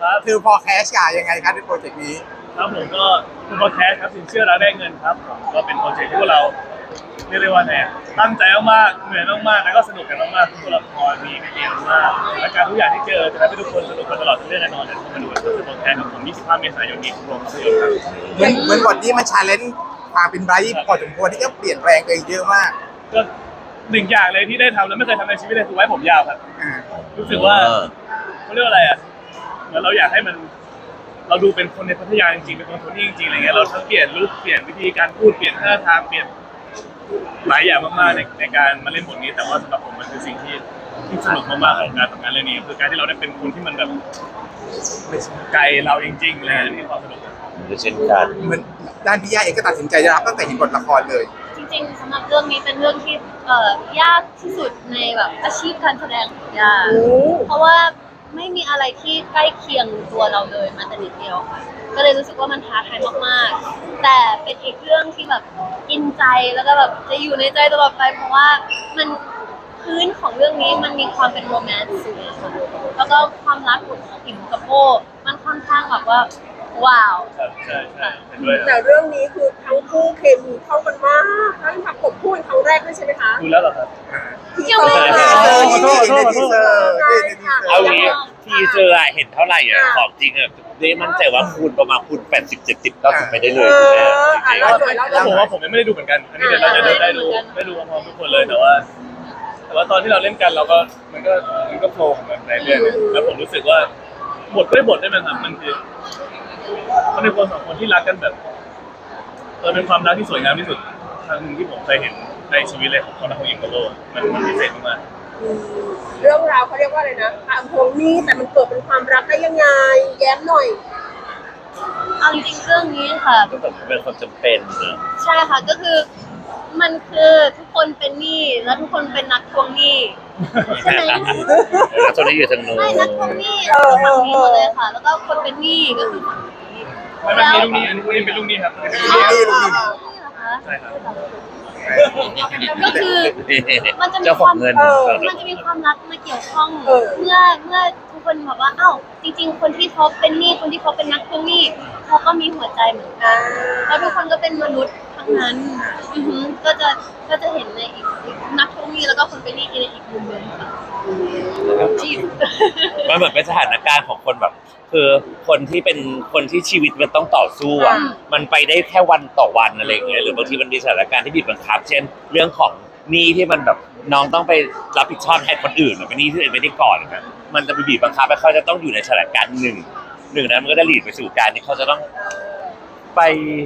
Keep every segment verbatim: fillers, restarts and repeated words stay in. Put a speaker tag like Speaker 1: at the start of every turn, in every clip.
Speaker 1: ครับ
Speaker 2: คือพอแคชกายังไงครับในโปรเจกต์นี้
Speaker 1: ครับผมก็คือพอแคสครับสินเชื่อรักได้เงินครับผมก็เป็นโปรเจกต์ที่พวกเราเรียกได้ว่าไงตั้งใจมากๆเหนื่อยมากๆแล้วก็สนุกกันมากๆทุกตัวละครมีมีเดียมากและการทุกอย่างที่เจอจะทำให้ทุกคนสนุกกันตลอดทั้งเรื่องแน่นอนเดี๋ยวมาดูกันครับโปรแคสของผมยี่สิบห้าเมษายนนี้ทุกโรงภาพยนตร์ครับ
Speaker 2: เหมือนเหมือนบทนี้มันชาเลนจ์ความเป็นไบรท์พอสมควรที่จะเปลี่ยนแปลงตัวเองเยอะมาก
Speaker 1: ก็หนึ่งอย่างเลยที่ได้ทำแล้วไม่เคยทำในชีวิตเลยคือไว้ผมยาวครับ
Speaker 2: อ่า
Speaker 1: รู้สึกว่าเขาเรียกว่าอะไรอ่ะเหมือนเราอยากให้มันเราดูเป็นคนในพัทยาจริงๆเป็นคนคนนี้จริงๆอะไรเงี้ยเราทั้งเปลี่ยนลุคเปลี่ยนวิธีการพูดเปลี่ยนท่าทางเปลี่ยนหลายอย่างมากๆในในการมาเล่นบทนี้แต่ว่าสำหรับผมมันคือสิ่งที่ที่สนุกมากๆของการทำงานเรื่องนี้คือการที่เราได้เป็นคนที่มันแบบไกลเราจริงๆเลยนี่ความสนุก
Speaker 3: เช่นกัน
Speaker 2: เหมือนด้านพี่ย่าเองก็ตัดสินใจจะรับตั้งแต่เห็นบทละครเลย
Speaker 4: จริงๆสำหรับเรื่องนี้เป็นเรื่องที่เอ่อยากที่สุดในแบบอาชีพการแสดงของย่าเพราะว่าไม่มีอะไรที่ใกล้เคียงตัวเราเลยมาแต่นิดเดียวค่ะก็เลยรู้สึกว่ามันท้าทายมากๆแต่เป็นอีกเรื่องที่แบบอินใจแล้วก็แบบจะอยู่ในใจตลอดไปเพราะว่ามันพื้นของเรื่องนี้มันมีความเป็นโรแมนต์สูงค่ะแล้วก็ความรักของอิมกับโบมันค่อนข้างแบบว่าว้าว
Speaker 1: ใช่ใช่เห็นด้วย
Speaker 5: แต่เรื่องนี้คือทั้งคู่เคมีเข้ากันมากทั้งทำผมพูดครั้งแรกด้วยใช่ไหมคะ
Speaker 1: ดูแล้วเหรอครับ
Speaker 4: ยังไม่
Speaker 2: ทีเซอร์นี่ในทีเซอร์
Speaker 3: เอางี้ทีเซอร์เห็นเท่าไหร่อ่ะของจริงอ่ะได้มั่นใจว่าคูณประมาณคูณแปดสิบเจ็ดสิบเก้าสิบไปได้เลยใช่ไหม
Speaker 1: แล้วผมว่าผมยังไม่ได้ดูเหมือนกันอันนี้เดี๋ยวเราจะได้ดูได้ดูพร้อมทุกคนเลยแต่ว่าแต่ว่าตอนที่เราเล่นกันเราก็มันก็มันก็โฟล์ของมันในเรื่องแล้วผมรู้สึกว่าบทด้วยบทได้ไหมครับมันคือมันเป็นคนสองคนที่รักกันแบบเออเป็นความรักที่สวยงามที่สุดครั้งหนึ่งที่ผมเคยเห็นในชีวิตเลยของคนรักของหญิงกับโลกมันมันพิเศษมาก
Speaker 5: เรื่องราวเขาเรียกว่าอะไรนะตามพวงนี้แต่มันเกิดเป็นความรักได้ยังไงแย้มหน่อย
Speaker 4: เอาจริงๆเรื่องนี้ค่ะ
Speaker 3: ก็แบบเป็นความจำเป็นนะ
Speaker 4: ใช่ค่ะก็คือมันคือทุกคนเป็นหนี้และทุกคนเป็นนักทวงหนี้ใช่ไหม
Speaker 3: แล้วตอนนี้อยู่ทางโน้น
Speaker 4: ไม่นักทวงหนี้คือฝั่งนี้หมดเลยค่ะแล้วก็คนเป็นหนี้ก็คือฝั่งนี้
Speaker 1: แล้วมันมีลูกหนี้อันนี้เป็นลูกหนี้ครับเป็นลูกหนี้ลูกหนี้ใช่ครับ
Speaker 4: ก็คือมันจะมีความมันจะมีความรักมาเกี่ยวข้องเมื่อเมื่อทุกคนบอกว่าอ้าวจริงๆคนที่เขาเป็นหนี้คนที่เขาเป็นนักทวงหนี้เขาก็มีหัวใจเหมือนกันแล้วทุกคนก็เป็นมนุษย์ทั้งนั้นก็จะก็จะเห็นในอีกนักทวงหนี้แล้วก็คนเป็นหนี้ในอีกมุมนึงค่ะจีบ
Speaker 3: มันเหมือนเป็นสถานการณ์ของคนแบบคือคนที่เป็นคนที่ชีวิตมันต้องต่อสู้อ่ะมันไปได้แค่วันต่อวันอะไรอย่างเงี้ยหรือบางทีมันมีสถานการณ์ที่บีบบังคับเช่นเรื่องของหนี้ที่มันแบบน้องต้องไปรับผิดชอบแทนคนอื่นหรือเป็นหนี้ที่อื่นไม่ได้ก่อนนะมันจะไปบีบบังคับให้เขาจะต้องอยู่ในสถานการณ์หนึ่งหนึ่งนั้นมันก็จะหลีดไปสู่การที่เขาจะต้องไป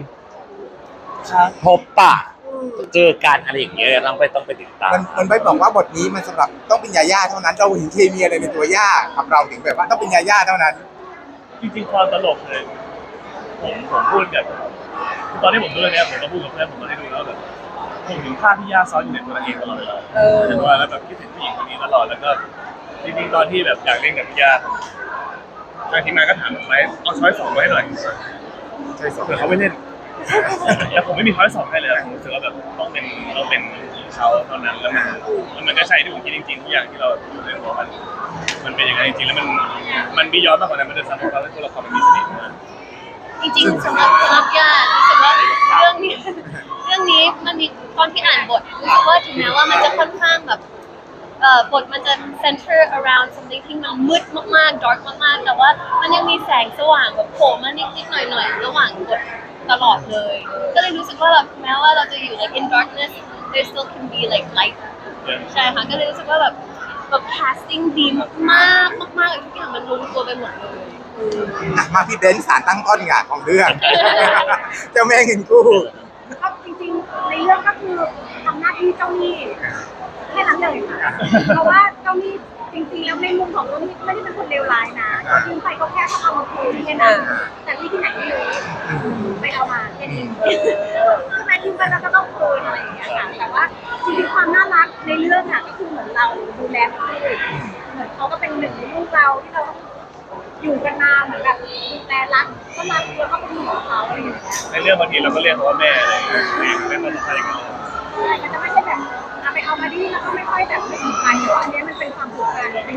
Speaker 3: พบปะเจอการอะไรอย่างเงี้ยต้องไปต้องไปติดตาม
Speaker 2: มันมันไม่บอกว่าบทนี้มันสำหรับต้องเป็นยาย่าเท่านั้นเราเห็นเคมีอะไรในตัวย่ากับเราถึงแบบว่าต้องเป็นยาย่าเท่านั้น
Speaker 1: จริงๆความตลกเลยผมผมพูดกับตอนที่ผมดูเรื่องนี้ผมก็พูดกับเพื่อนผมตอนที่ดูแล้วแบบผมถึงภาพที่ย่าซ้อนอยู่ในตัวเองตลอดเวลาเห็นว่าแล้วแบบคิดถึงผู้หญิงคนนี้ตลอดแล้วก็จริงๆตอนที่แบบอยากเล่นกับพี่ย่าทางทีมงานก็ถามผมไว้เอาช้อยสองไว้หน่อยช้อยสองแต่เขาไม่เล่นแล้วผมไม่มีช้อยสองให้เลยผมรู้สึกว่าแบบต้องเป็นต้องเป็นเขาเท่านั้นแล้วมันมันก็ใช่ที่ผมคิดจริงๆทุกอย่างที่เราเล่นของมันมันเป็นอย่างนั้นจริงๆแล้วมันมันมีย้อนมากกว่านั้นมันจะสร้างความเป็นตัวละครมันมีเสน่ห์มาก
Speaker 4: จริงๆสำหรับสำหรับย่ารู้สึกว่าเรื่องนี้เรื่องนี้มันมีตอนที่อ่านบทรู้สึกว่าถึงแม้ว่ามันจะค่อนข้างแบบเอ่อบทมันจะ center around something ที่มันมืดมากๆ dark มากๆแต่ว่ามันยังมีแสงสว่างแบบโผล่มานิดๆหน่อยๆระหว่างบทตลอดเลยก็เลยรู้สึกว่าแบบแม้ว่าเราจะอยู่ like in darkness there still can be like light ใช่ค่ะก็เลยรู้สึกว่าแบบแบบ casting ดีมากมากๆเลยทุกอย่างมันลงตัวไปหมดเลย
Speaker 2: มาพี่เบนซ์สารตั้งต้นงานของเรื่องเจ้าแม่เงินกู้
Speaker 5: ก็จริงๆในเรื่องก็คือทำหน้าที่เจ้าหนี้แค่นั้นเลยค่ะเพราะว่าเจ้าหนี้จริงๆแล้วในมุมของเจ้าหนี้ไม่ได้เป็นคนเลวร้ายนะก็ยืมไปก็แค่เขาเอามาคืนแค่นั้นแต่ที่ที่ไหนไม่รู้ไปเอามาแค่นี้คือแม้ยืมไปแล้วก็ต้องคืนอะไรอย่างเงี้ยค่ะแต่ว่าจริงๆความน่ารักในเรื่องอะก็คือเหมือนเราดูแลเขาเหมือนเขาก็เป็นหนึ่งในลูกเราที่เราอยู่กันมาเหมือนแบบดูแลรักก็รักแล้วก็เป็นห่วงเขาอะไรอย่างเงี้ย
Speaker 1: ในเรื่องบางทีเราก็เรียกเขาว่าแม่อะไรแม่มาทำอะไรกัน
Speaker 5: มันจะไม่ใช่แบบเอาไปเอามาดีแล้วก็ไม่ค่อยแบบไม่ถึงกันแต่ว่าอันนี้มันเป็นความผูกพันดูแลกัน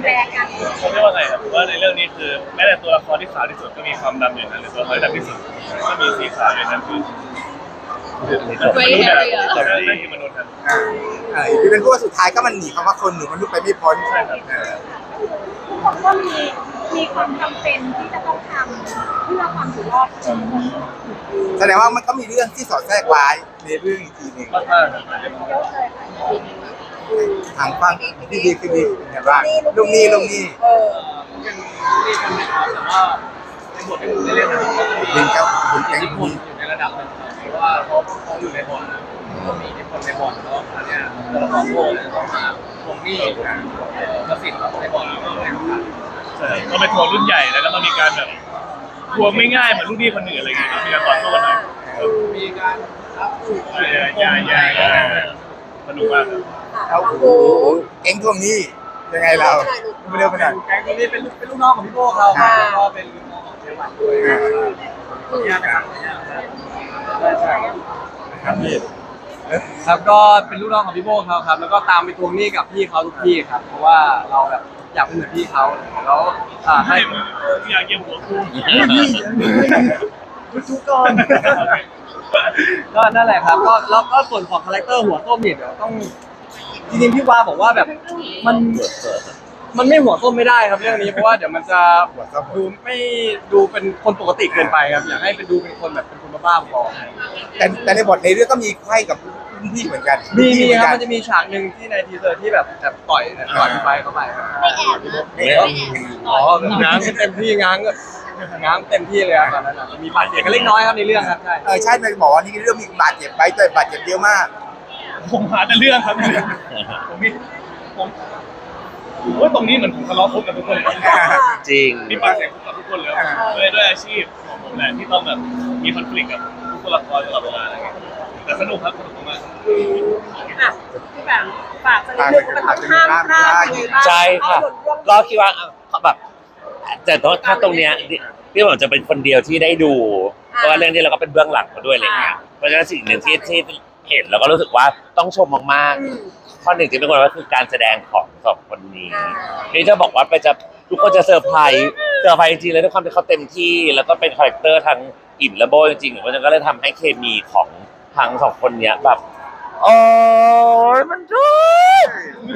Speaker 1: เขาเรียกว่าไงครับว่าในเรื่องนี้คือแม้แต่ตัวละครที่ขาวที่สุดก็มีความดำอยู่นั้นหรือตัวละครที่ดำที่สุดก็มีสีขาวอยู่นั้นคือคือมนุษย์แบบนั่นคือมนุษย์ครับ
Speaker 2: เออเออที่เป็นพวกสุดท้ายก็มันหนีคำว่าคนหรือมนุษย์ไปไม่พ้น
Speaker 1: ใช่ครับ
Speaker 2: เออ
Speaker 5: ทุกคนก็มีมีความจำเป็นที่จะต้องทำเพื่อความอยู่รอดของทุกคน
Speaker 2: แสดงว่ามันก็มีเรื่องที่สอดแทรกไว้ในเรื่องอีกทีหนึ่ง
Speaker 1: มากมากครับ
Speaker 5: เยอะเลยค่ะ
Speaker 2: ทางฟังที่ดีคือดีเห็นว่าลุงนี่ลุงนี่
Speaker 5: เออ
Speaker 6: เป็นนี่คนนะครับแต่ว่าในบทที่ผมได้เล่นนะครับก็จะมี
Speaker 2: ลิงกับคุณ
Speaker 6: อิ
Speaker 2: แก๊
Speaker 6: ท
Speaker 2: ง
Speaker 6: ธิพล
Speaker 2: นี้
Speaker 6: อยู่ในระดับหนึ่งครับเพราะว่าเขาเขาอยู่ในบ่อนก็มีอิทธิพลในบ่อนแล้วอันเนี้ยตัวละครโง่เนี่ยต้องมาทวงหนี้ประสิทธิ์ในบ่อนก็เลยต้องการ
Speaker 1: ใช่ก็เป็นทัวร์รุ่นใหญ่แล้วก็ต้องมีการแบบทัวร์ไม่ง่ายเหมือนรุ่นพี่คนอื่นอะไรเงี้ยต้องมีการต่อสู้กันหน่อย
Speaker 6: มีการรับผู้
Speaker 1: ใช่ใช่ใช่ใช่สนุกมากครับ
Speaker 2: เอาโอ้โหแก๊งทวงหนี้ยังไงเราไม่เร็วไปหน่อย
Speaker 6: แก๊งตัวนี้เป็นลูกเป็นลูกน้องของพี่โบ้เขาครับแล้วก็เป็นลูกน้องของเจวันด้วยขออนุญาตนะครับขออนุญาตนะครับใช่ใช่
Speaker 2: ครับพี่
Speaker 6: ครับก็เป็นลูกน้องของพี่โบ้เขาครับ แล้วก็ตามไปทวงหนี้กับพี่เขาทุกที่ครับ เพราะว่าเราแบบอยากเป็นเหมือนพี่เขาแล้วอ่าให้
Speaker 1: ให้อยากเยี่ยมหัวคู่
Speaker 6: ทุกก่อนก็นั่นแหละครับก็แล้วก็ส่วนของคาแรคเตอร์หัวส้มเนี่ยเดี๋ยวต้องจริงๆพี่วาบอกว่าแบบมันมันไม่หัวส้มไม่ได้ครับเรื่องนี้เพราะว่าเดี๋ยวมันจะดูไม่ดูเป็นคนปกติเกินไปครับอยากให้เป็นดูเป็นคนแบบเป็นคนบ้าๆบอ
Speaker 2: แต่แต่ในบทในเรื่องก็มีไข้กับรุ่นพี่เหมือนกัน
Speaker 6: มีมีครับ
Speaker 2: เห
Speaker 6: มันจะมีฉากหนึ่งที่ในทีเซอร์ที่แบบแบบต่อยเนี่ยต่อยไปเข้าไปครับ
Speaker 4: ไม่แอบนะ
Speaker 2: ไม่
Speaker 4: ไม่
Speaker 2: ต้อง
Speaker 4: แอบ
Speaker 6: อ๋อแบบง้างเต็มที่ง้างง้างเต็มที่เลยครับตอนนั้นอะมีบาดเจ็บกันเล็กน้อยครับในเรื่องครับใช่
Speaker 2: เออใช่ในบอกว่านี่เรื่องมีบาดเจ็บไปแต่บาดเจ็บเยอะมาก
Speaker 1: ผมหาแต่เรื่องครับผมมีผมว่าตรงนี้เหมือนผมทะเลาะคบกับทุกคนเลย
Speaker 3: จริง
Speaker 1: มีปากเสียงกับทุกคนเลยด้วยด้วยอาชีพของผมแหละที่ต้องแบบมีคอนฟ lict กับทุกตัวละครตลอดเวลาอะไรเงี้ยแต่สนุกครับสนุกมาก
Speaker 5: อ่ะพี่แบบฝากสักนิดนึงว่ามันต้องห้ามพลาดยังไงบ้าง
Speaker 3: ใช่ค่ะ ก็คิดว่าแบบแต่ถ้าตรงเนี้ยพี่ผมจะเป็นคนเดียวที่ได้ดู เพราะว่าเรื่องนี้เราก็เป็นเบื้องหลังมาด้วยอะไรเงี้ยเพราะฉะนั้นสิ่งหนึ่งที่ที่เห็นเราก็รู้สึกว่าต้องชมมากๆข้อหนึ่งที่เป็นคนก็คือการแสดงของสองคนนี้นี่จะบอกว่าไปจะทุกคนจะเซอร์ไพรส์เซอร์ไพรส์จริงๆเลยด้วยความที่เขาเต็มที่แล้วก็เป็นคาแรคเตอร์ทั้งอิ่มและโบจริงๆเพราะฉะนั้นก็เลยทำให้เคมีของทั้งสองคนเนี้ยแบบโอ้ยมันทุก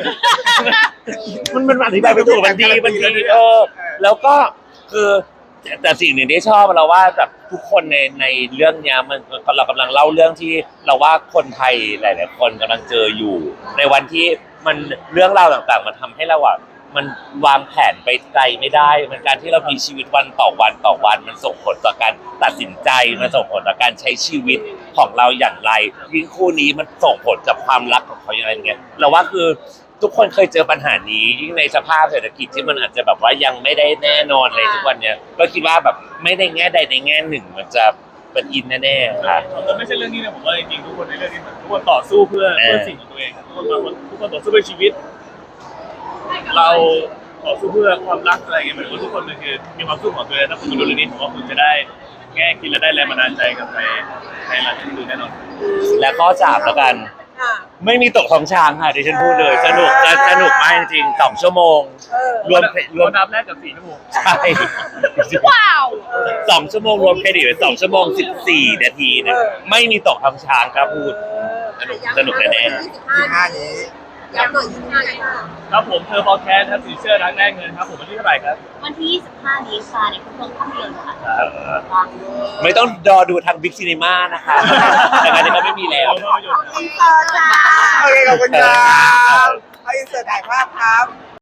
Speaker 3: มันมันอธิบายไม่ถูกมันดีมันดีเออแล้วก็คือแต่แต่สิ่งหนึ่งที่ชอบเราว่าแบบทุกคนในในเรื่องเนี้ยมันเรากำลังเล่าเรื่องที่เราว่าคนไทยหลายๆคนกำลังเจออยู่ ในวันที่มันเรื่องราวต่างๆมันทำให้เราอ่ะมันวางแผนไปไกลไม่ได้ มันการที่เรามีชีวิตวันต่อวันต่อวัน มันส่งผลต่อการตัดสินใจมันส่งผลต่อการใช้ชีวิตของเราอย่างไรยิ่งคู่นี้มันส่งผลกับความรักของเขาอย่างไรเงี้ยเราว่าคือ ทุกคนเคยเจอปัญหานี้ยิ่งในสภาพเศรษฐกิจที่มันอาจจะแบบว่ายังไม่ได้แน่นอนเลยทุกวันเนี้ยก็คิดว่าแบบไม่ได้แง่ใดในแง่หนึ่งมันจะเป็นอินแน่ๆค่ะ
Speaker 1: ๆไม่ใช่เรื่องนี้นะผมว่าจริงๆทุกคนในเรื่องนี้ทุกคนต่อสู้เพื่อเพื่อสิ่งของตัวเองทุกคนมาทุกคนต่อสู้เพื่อชีวิต เราต่อสู้เพื่อความรักอะไรเงี้ยเหมือนว่าทุกคนมันคือมีความสู้ของตัวเองถ้าคุณมาดูเรื่องนี้ผมว่าคุณจะได้แง่คิดและได้แรงบันดาลใจกลับไปในหลังที่ดูแน่นอน
Speaker 3: และข้อสามแล้วกัน ไม่มีตกของช้างค่ะดิฉันพูดเลยสนุกจะสนุกมากจริงๆสองชั่วโมงรวมรวม
Speaker 1: นับแรกกับสี่ชั่วโมง
Speaker 3: ใช่
Speaker 4: ว้าว
Speaker 3: สองชั่วโมงรวมเครดิตเป็นสองชั่วโมงสิบสี่นาทีเนี่ยไม่มีตกของช้างครับพูดสนุกสนุกแน่ๆ
Speaker 2: ยี่ห้านี้
Speaker 5: ย้ำหน่อยยี่ห้าค่ะ
Speaker 1: ครับผมเธอพอแคสครับสีเสื้อรักแรกเงินครับผมวันที่เท่าไหร่ครับ
Speaker 4: วันที่ยี่สิบห้านี้ค่ะในทุกโรงภาพยนตร์ค่ะ
Speaker 3: เออ
Speaker 4: วางเลย
Speaker 3: ไม่ต้องรอดูทางบิ๊กซีนีมานะคะแต่งานนี้ก็ไม่มีแล้ว
Speaker 1: ภาพยนตร์
Speaker 5: อินเตอร์จ้า
Speaker 2: โอเคขอบคุณครับให้อินเสิร์ตถ่ายภาพครับ